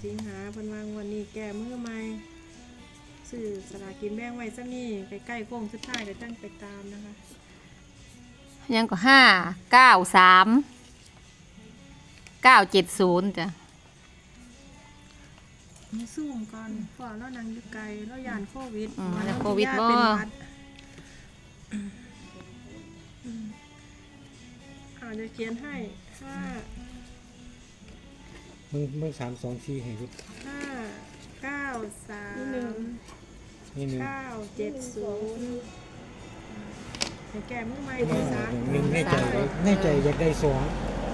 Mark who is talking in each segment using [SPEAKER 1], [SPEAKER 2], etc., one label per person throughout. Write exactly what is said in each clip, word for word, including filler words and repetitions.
[SPEAKER 1] สิงหาเพิ่นวางวันนี้แก้มือใหม่ซื้อสลากกินแบ่งไว้ซะนี่ใกล้ๆโค้งสุดท้ายก็จังไปตามนะคะ
[SPEAKER 2] ยังก็ห้าเก้าสามเก้าเจ็ดศูนย์จ้ะ
[SPEAKER 1] มีซูมก่อนพอเรานั่งอยู่ไกลเราย่านโควิด
[SPEAKER 2] อืมแล้วโควิดบ่
[SPEAKER 1] เป็นหวัดอาจจะเขียนให้ห้า
[SPEAKER 3] มึงมึงสามสองสี่ให้รุด
[SPEAKER 1] ห้าเก้าสาม
[SPEAKER 3] นี่หนึ่ง
[SPEAKER 1] เก้าเจ็ดศูนย์ให้แก้มือใหม่ได้สาม
[SPEAKER 3] หนึ่งในใจในใจอยากได้สอง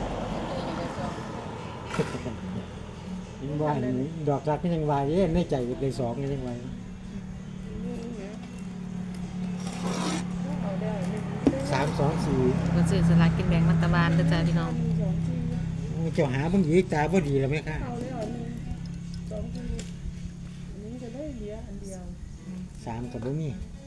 [SPEAKER 3] ยังว่าอยู่ดอกรักก็ยังว่าเย้ในใจอยากได้สองก็ยังว่าสามสองสี่
[SPEAKER 2] ก็ซื้อสลากกินแบ่งรัฐบาลเด้อจ้ะพี่น้อง
[SPEAKER 3] เจ้าหาเบิ่งอีกตาบ่ดีแล้วไหมคะ
[SPEAKER 1] เอาเลยเอาหนึ่งสองสี่อันนี้จะได้เหลืออันเดียว
[SPEAKER 3] สามกับบ่มี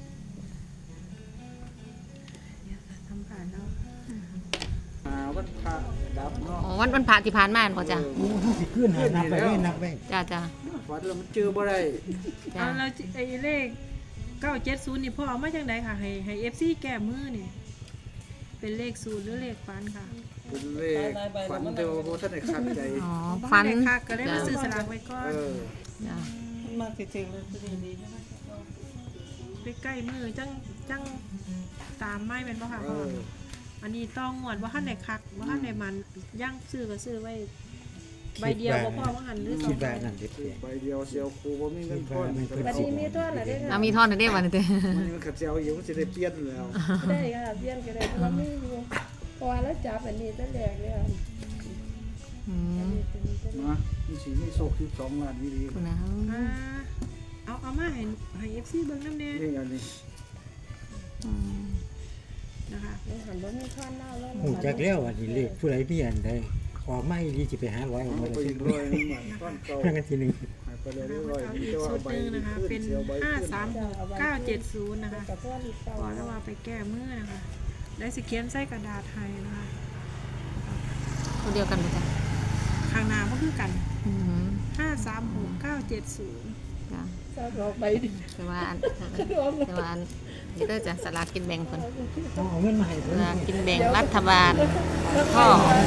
[SPEAKER 1] ทำผ่านแล้ว
[SPEAKER 4] อ่าวันพระดับเนาะ
[SPEAKER 2] อ๋อวันวันพระที่ผ่านมาบ่จ้ะ
[SPEAKER 3] โอ้เฮาสิขึ้นหานับไปเลยนับไป
[SPEAKER 2] จ้ะจ้ะ
[SPEAKER 4] ฝันแล้วมันเจอบ่ได้
[SPEAKER 2] จ้ะ
[SPEAKER 1] เอาแล้วไอ้เลขเก้าเจ็ดศูนย์นี่พ่อเอามาจากไหนค่ะให้ให้เอฟซีแก้มือนี่เป็นเลขศูนย์หรือเลขฟันค่ะ
[SPEAKER 4] เป็นเลขฝันเดียวบ่ทันได้คัดใจ
[SPEAKER 2] อ๋อ
[SPEAKER 1] ฟั
[SPEAKER 2] ฟั
[SPEAKER 1] น
[SPEAKER 2] น
[SPEAKER 1] ค่ะก็เลยมาซื้อสลากไว้ก่อน
[SPEAKER 4] เออ
[SPEAKER 2] จ้ะ
[SPEAKER 5] มาถึงเลยดีดี
[SPEAKER 1] ไปใกล้มือจังจังตามไม่เป็นป่ะค่ะ
[SPEAKER 4] เอ
[SPEAKER 1] พ่อ
[SPEAKER 4] อ
[SPEAKER 1] อันนี้ต้องงวดว่าขั้นไหนคักว่าขั้นไหนมันย่างซื้อก็ซื้อไว้ใบเดียวบ่พ่อว่าหันหรือสอ
[SPEAKER 3] คิ
[SPEAKER 1] ง
[SPEAKER 3] ด
[SPEAKER 1] ใบ
[SPEAKER 3] ว่านั่นเด็ด
[SPEAKER 4] คือใบเดียวเสียวครูบ่มีเงินทอน
[SPEAKER 3] บัดนี้มีทอนเหรอเด้
[SPEAKER 2] เอามีทอนได้วันนี้เด้อ
[SPEAKER 4] มันมันขัดเสียวอยู่มันสิได้เปลี่ยนแล้ว
[SPEAKER 5] ได้ค่ะเพี้ยนก็ได้เพราะว่าไม่อยู่เพราะว่าแล้วจับอันนี้ตั้งแรกเลยค่ะ
[SPEAKER 2] อืม
[SPEAKER 4] นะมันสิมีโชคสิบสองล้านนี่ดี
[SPEAKER 2] คุณนะ
[SPEAKER 1] อ่าเอาเอามาให้ให้เอฟซีเบิ้งน้ำแน่
[SPEAKER 4] นี่อันนี้
[SPEAKER 2] อืม
[SPEAKER 1] นะคะ
[SPEAKER 5] มันหันบ่มีท่อนเล่าแล้ว
[SPEAKER 3] หูจักแล้วอันนี้เลขผู้ใดมีอันใดออกมาอีหลีสิไปหาร้อยออก
[SPEAKER 4] เอา
[SPEAKER 3] มา
[SPEAKER 4] ไป
[SPEAKER 3] ได้
[SPEAKER 4] อีกร้อยหนึงบาทก้อนเก่า
[SPEAKER 3] ครั้งที่หนึ่ง
[SPEAKER 4] หายไปแล้ว
[SPEAKER 1] เอา
[SPEAKER 4] ร้อย
[SPEAKER 1] เอา
[SPEAKER 4] มี
[SPEAKER 1] อีก
[SPEAKER 4] แต่ว่า
[SPEAKER 1] ชุด
[SPEAKER 4] ใบ
[SPEAKER 1] หนึ่งนะคะ
[SPEAKER 4] ขึ้
[SPEAKER 1] เป็น
[SPEAKER 4] เสียวใบ
[SPEAKER 1] ห้า
[SPEAKER 4] ขึ้น
[SPEAKER 1] สามหกเก้าเจ็ดศูนย์นะคะ
[SPEAKER 5] กับท่อนอีกเก่า
[SPEAKER 1] ก่อนแล้วว่าไปแก้มือนะคะได้สิเขียนใส่กระดาษไทยนะคะ
[SPEAKER 2] ตัวเดียวกันบ่จ้ะ
[SPEAKER 1] ข้างหน้าก็คือกัน
[SPEAKER 2] อืม
[SPEAKER 1] ห้าสามหกเก้าเจ็ดศูนย์
[SPEAKER 2] จ้ะ
[SPEAKER 5] ซาดอกไปดิ
[SPEAKER 2] แต่ว่าอันแต่ว่าอันนี่เด้อจ้ะสลากกินแบ่งเพิ่น
[SPEAKER 3] เอาเอาเงินมาให้
[SPEAKER 2] ส
[SPEAKER 3] เพิ่น
[SPEAKER 2] ลากกินแบ่งรัฐบาลข้อ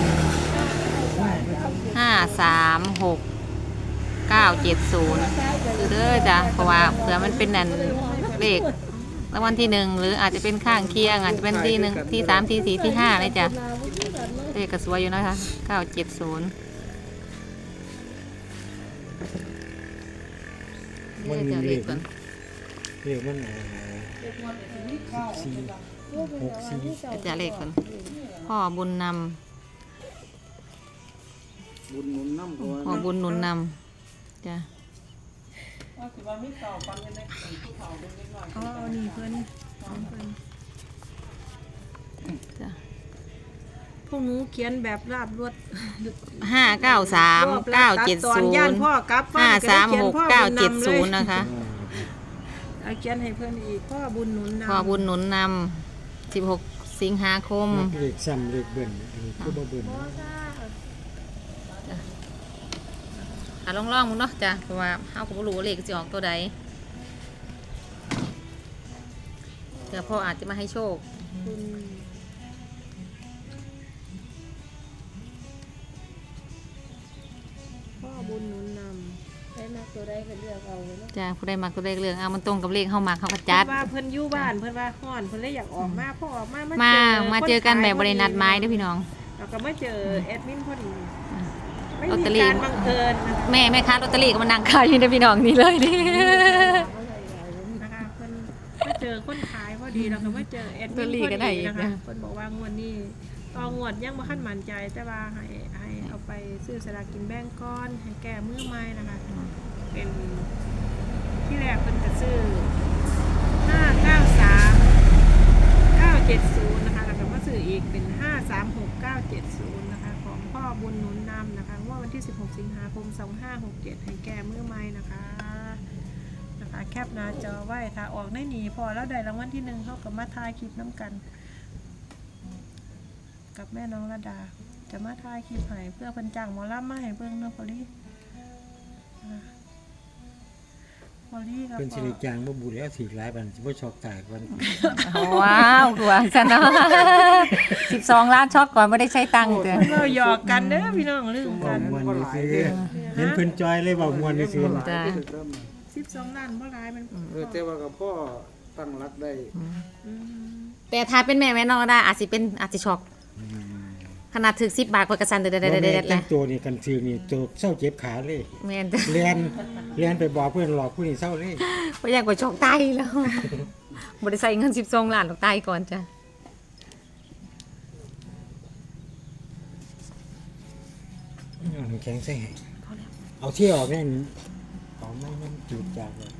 [SPEAKER 2] ห้าสามหกเก้าเจ็ดศูนย์คือเด้อจ้ะเพราะว่าเผื่อมันเป็นนั่นเลขรางวัลที่หนึ่งหรืออาจจะเป็นข้างเคียงอาจจะเป็นที่หนึ่งที่สามที่สี่ที่ห้าเลยจ้ะเลขกระสวยอยู่นะคะเก้าเจ็ดศูนย์
[SPEAKER 3] มันมี
[SPEAKER 2] จะ
[SPEAKER 3] เล
[SPEAKER 2] เล
[SPEAKER 3] ข
[SPEAKER 2] ขก่อน
[SPEAKER 3] เลขมันสี่หกสี่
[SPEAKER 2] จะเลขก่อนพ่อบุญน
[SPEAKER 4] บุญหนุนน้ำตัว
[SPEAKER 2] ำพ่อบุญหนุนนำจ้ะ
[SPEAKER 5] ว่าสิว่ามีเก่าปันกันได้ผู้เฒ่าเป็นเล็กน้อย
[SPEAKER 1] เอาเอานี่เพิ่นเอาเพิ่น
[SPEAKER 2] จ้ะ
[SPEAKER 1] พวกหนูเขียนแบบราบรวด
[SPEAKER 2] ห้าเก้าสามเก้าเจ็ด
[SPEAKER 1] ตั
[SPEAKER 2] ศู
[SPEAKER 1] อนย่าน
[SPEAKER 2] ย์
[SPEAKER 1] พ่อกลับ
[SPEAKER 2] ห้าสามหกเก้าเจ็ดศูนย์
[SPEAKER 1] นะ
[SPEAKER 2] นะคะ
[SPEAKER 1] เอาเขียนให้เพิ่นอีกพ่อบุญหนุนนำ
[SPEAKER 2] พ่อบุญหนุนนำสิบหกสิงหาคม
[SPEAKER 3] มักเลขซ้ำเลขเบิ่นอันนี้คือบ่เบิ่น
[SPEAKER 2] อ่ะลองลองๆมึงเนาะจ้ะเพราะว่าเฮาก็บ่รู้ว่าเลขสิออกตัวใดเดี๋ยวพ่ออาจจะมาให้โชค
[SPEAKER 1] คุณพ่อบุญหนุนนำ
[SPEAKER 5] ได้มาตัวได้ก็เลือกเอาเลยเนาะ
[SPEAKER 2] จ้ะผู้ใดมักตัวเลขเรื่องเอามันตรงกับเลขเฮามักเฮาก็
[SPEAKER 1] จั
[SPEAKER 2] จั
[SPEAKER 1] ด
[SPEAKER 2] ด
[SPEAKER 1] ว่าเพิ่นอยู่บ้านเพิ่นว่าฮ้อนเพิ่นเลยอยากออกมาพอออกมา
[SPEAKER 2] มา
[SPEAKER 1] มา
[SPEAKER 2] มาเจอกันแบบบ่ได้นัดหมายเด้อพี่น้อง
[SPEAKER 1] แล้วก็มาเจอแอดมินพอดีไม่
[SPEAKER 2] ลอต
[SPEAKER 1] มี
[SPEAKER 2] เตอรี่
[SPEAKER 1] การบังเอิญนะคะ
[SPEAKER 2] แม่แม่ค้าลอตเตอรี่ก็มานั่งขายอยู่เด้อพี่น้องนี่เลยนี่
[SPEAKER 1] นะคะเพิ่นมาเจอคนขายพอดีแล้วก็มาเจอแอดมิน
[SPEAKER 2] ลอตเตอรี่
[SPEAKER 1] พอ
[SPEAKER 2] ก็ได้
[SPEAKER 1] ดี
[SPEAKER 2] อีก
[SPEAKER 1] นะคะ
[SPEAKER 2] นะ
[SPEAKER 1] เพิ่นบอกว่างวดนี้ต่องวดยังบ่คันมั่นใจแต่ว่าให้ให้เอาไปซื้อสลากกินแบ่งก้อนให้แก้มือใหม่นะคะเป็นที่แรกเพิ่นก็ซื้อห้าเก้าสาม เก้าเจ็ดศูนย์นะคะแล้วก็มาซื้ออีกเป็นห้าสามหกเก้าเจ็ดศูนย์นะคะของพ่อบุญหนุนนำนะคะว่าวันที่สิบหกสิงหาคมสองห้าหกเจ็ดให้แก้มือใหม่นะคะนะคะแคปหน้าจอไว้ถ้าออกได้หนีพอแล้วได้รางวัลที่หนึ่งเขากับมาทายคลิปน้ำกัน กับแม่น้องระดา จะมาทายคลิปให้เพื่อเพิ่นจ้างหมอลำมาให้เบิ่งเนาะพอลี่อลี่ครับ
[SPEAKER 3] เป็นสิ
[SPEAKER 1] พ่อ
[SPEAKER 3] ริจางบ่บุญแล้วสิหลายบันสิบ่ช็อกตายก่อน
[SPEAKER 2] ว้าวกว่าซะเนาะ สิบสองล้านช็อกก่อนไม่ได้ใช้ตังค์เด้อ
[SPEAKER 1] เราหยอกกันเด้อพี่น้องลืม
[SPEAKER 3] เว้า
[SPEAKER 1] กัน
[SPEAKER 3] ม่วนซื่อเห็นเพิ่นจอยเลยเว้าม่วนซื่อ
[SPEAKER 2] จ้ะ
[SPEAKER 1] สิบสองล้านบ่หลายมัน
[SPEAKER 4] เออแต่ว่ากับพ่อตั้งรักได้
[SPEAKER 1] อืม
[SPEAKER 2] แต่ถ้าเป็นแม่แม่น้องได้อาจสิเป็นอาจสิช็อกขนาดถึกสิบบาทกว่ากระสันเด็ด
[SPEAKER 3] ๆ
[SPEAKER 2] เด็ด
[SPEAKER 3] บ่
[SPEAKER 2] เด็
[SPEAKER 3] แม่
[SPEAKER 2] ดเล
[SPEAKER 3] แต่
[SPEAKER 2] ย
[SPEAKER 3] งตัวนี่กันซื้อนี่ตัวเศร้าเจ็บขาเลย
[SPEAKER 2] แม่นจ้ะ
[SPEAKER 3] เรียนเรียนไปบอกเพื่อนหลอกผู้นี้เศร้าเลย
[SPEAKER 2] บ่อยากกว่าช็อกตายแล้วบ่ได้ใส่เงินสิบสองล้านหรอกตายก่อนจ้ะ
[SPEAKER 3] เอาน้ำแข็งใส่ให้เอาเที่ยวออกแน่นเอาไม่มันจืดจางเลย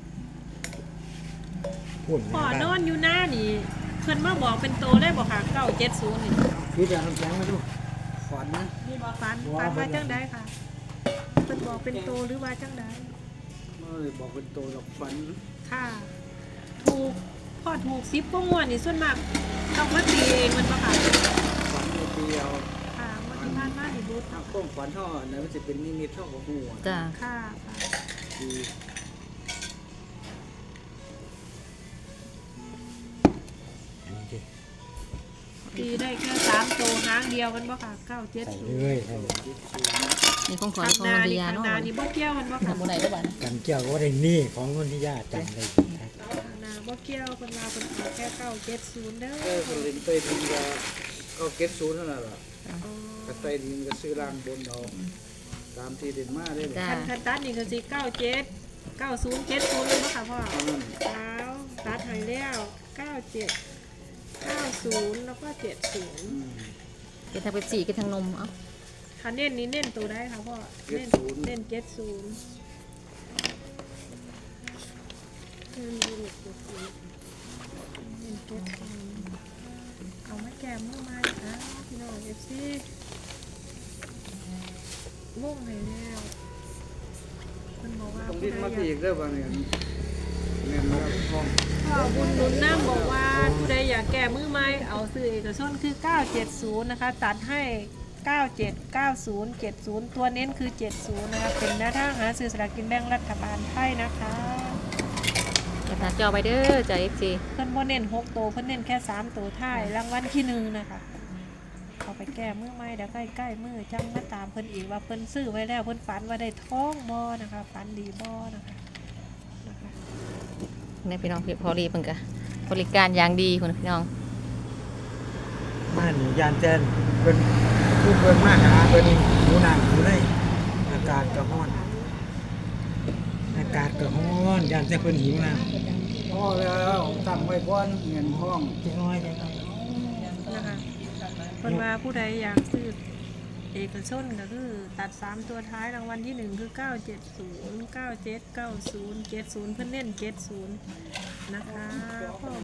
[SPEAKER 3] พูด
[SPEAKER 1] พ่อนอนอยู่หน้านี่เพิ่นมาบอกเป็นโตได้บ่ค่ะเก้าเจ็ดศูนย์นี่
[SPEAKER 3] คือจะเอาน้ำแข็งมาดู
[SPEAKER 4] ฝันนะ
[SPEAKER 1] นี่บ่ฟันฟันว่าจังไดค่ะเพิ่นบอกเป็นโตหรือว่าจังได
[SPEAKER 4] เมื่อเลยบอกเป็นโตหรอกฝัน
[SPEAKER 1] ค่ะ ถูกพ่อถูกสิบกว่างวดนี่ส่วนมากต้องมาตีเองมันบ่ค่ะ
[SPEAKER 4] ฝันในปีเอา
[SPEAKER 1] ค่ะงวดที่ผ่านมานี่รู้
[SPEAKER 4] ถ้าข้องฝันเท่าอันนั้นมันจะเป็นนิมิตเท่ากับหัว
[SPEAKER 2] จ้ะ
[SPEAKER 1] ค่ะค่ะ
[SPEAKER 4] คือ
[SPEAKER 3] อันนี้ดิ
[SPEAKER 1] ตีได้แค่สามโตหางเดียวมันบ่ค่ะเก้าเจ็ด
[SPEAKER 3] ใส่
[SPEAKER 1] ศู
[SPEAKER 3] เล
[SPEAKER 1] นย์
[SPEAKER 3] ยใส่เลย
[SPEAKER 2] นี่ของขวัญ
[SPEAKER 1] ข้าง
[SPEAKER 2] ของ
[SPEAKER 1] หน้า
[SPEAKER 2] มันดี
[SPEAKER 1] นี่
[SPEAKER 2] ยา
[SPEAKER 1] ข้าง
[SPEAKER 2] เนาะ
[SPEAKER 1] หน้านี่บ่เกี่ยวมันบ่ค่ะ
[SPEAKER 2] บ่ไหนได้บ่
[SPEAKER 3] กันเกี่ยวก็ว่าได้นี่ของคนที่ญาติจำได้ครับ
[SPEAKER 1] ข้างหน้าบ่เกี่ยวเพิ่นว่าเพิ่นเอาแค่เก้าเจ็ดศูนย์เด้อ
[SPEAKER 4] เออคนเล่นเต้ยดินก็ก็เก็ตศูนย์เท่านั้นแหละ
[SPEAKER 1] อ๋อ
[SPEAKER 4] กระไตดินก็ซื้อล่างบนเอาตามที่เด่นมาได้เลย
[SPEAKER 2] จ้ะ
[SPEAKER 1] คันคันตัดนี่ก็สิเก้าเจ็ดเก้าศูนย์เจ็ดศูนย์เลยบ่ค่ะพ่อ
[SPEAKER 4] เท่านั้น
[SPEAKER 1] แล้วตัดให้แล้วเก้าเจ็ดเก้าศูนย์แล้วก็เจ็ดศูนย์
[SPEAKER 4] อืม
[SPEAKER 2] กินทางเป๊ปซี่กินทางนมเอ้า
[SPEAKER 1] คันเน้นนี้เน้นตัวได้ค่ะพ่อเน้นเน้นเจ็ดศูนย์เน้นเจ็ดศูนย์เน้นเจ็ดศูนย์เอามาแก้มือมานะพี่น้องเอฟซีมุ่งให้แล้วคนบอกว่า
[SPEAKER 4] ต้อง
[SPEAKER 1] ผู้
[SPEAKER 4] ดิ้น
[SPEAKER 1] ใด
[SPEAKER 4] มา
[SPEAKER 1] อยาก
[SPEAKER 4] ตีอีกเด้อบางเนี่ยแม่นมาห้อง
[SPEAKER 1] พ่อบุญหนุนน้ำบอกว่าผู้ใดอยากแก้มือไม้เอาซื้อเอกชนคือ เก้าเจ็ดศูนย์ นะคะ ตัดให้ เก้าเจ็ด เก้าศูนย์ เจ็ดศูนย์ ตัวเน้นคือ เจ็ดศูนย์ นะคะ เป็นแนวทางหาซื้อสลากกินแบ่งรัฐบาลไทยนะคะ
[SPEAKER 2] อย่าตาจอไปเด้อจ้ะ เอฟ ซี
[SPEAKER 1] เพิ่นบ่เน้นหกตัวเพิ่นเน้นแค่สามตัวท้ายรางวัลที่หนึ่งนะคะเอาไปแก้มือไม้เดี๋ยวใกล้ๆมือจังมาตามเพิ่นอีกว่าเพิ่นซื้อไว้แล้วเพิ่นฝันว่าได้ท้องบ่นะคะฝันดีบ่นะคะนะคะ
[SPEAKER 2] ในพี่น้องพี่พอรีเพิ่นก็บริการอย่างดีคุณพี่น้อง
[SPEAKER 3] มาหนียานแจนเพิ่นพูดเพิ่นมาหาเพิ่นหนูนางอยู่เลยอากาศก็ร้อนอากาศก็ร้อนยานแต่เพิ่นหิวน้ำ
[SPEAKER 4] พ่อแล้วตั้งไว้ก่อนเงินห้อง
[SPEAKER 3] จังน้อยจังน้อย
[SPEAKER 1] นะคะเพิ่นว่าผู้ใดอยากซื้อเอกชนก็คือตัดสามตัวท้ายรางวัลที่หนึ่งคือเก้าเจ็ดศูนย์ เก้าเจ็ด เก้าศูนย์ เจ็ดศูนย์เพิ่นเน้นเจ็ดศูนย์นะคะ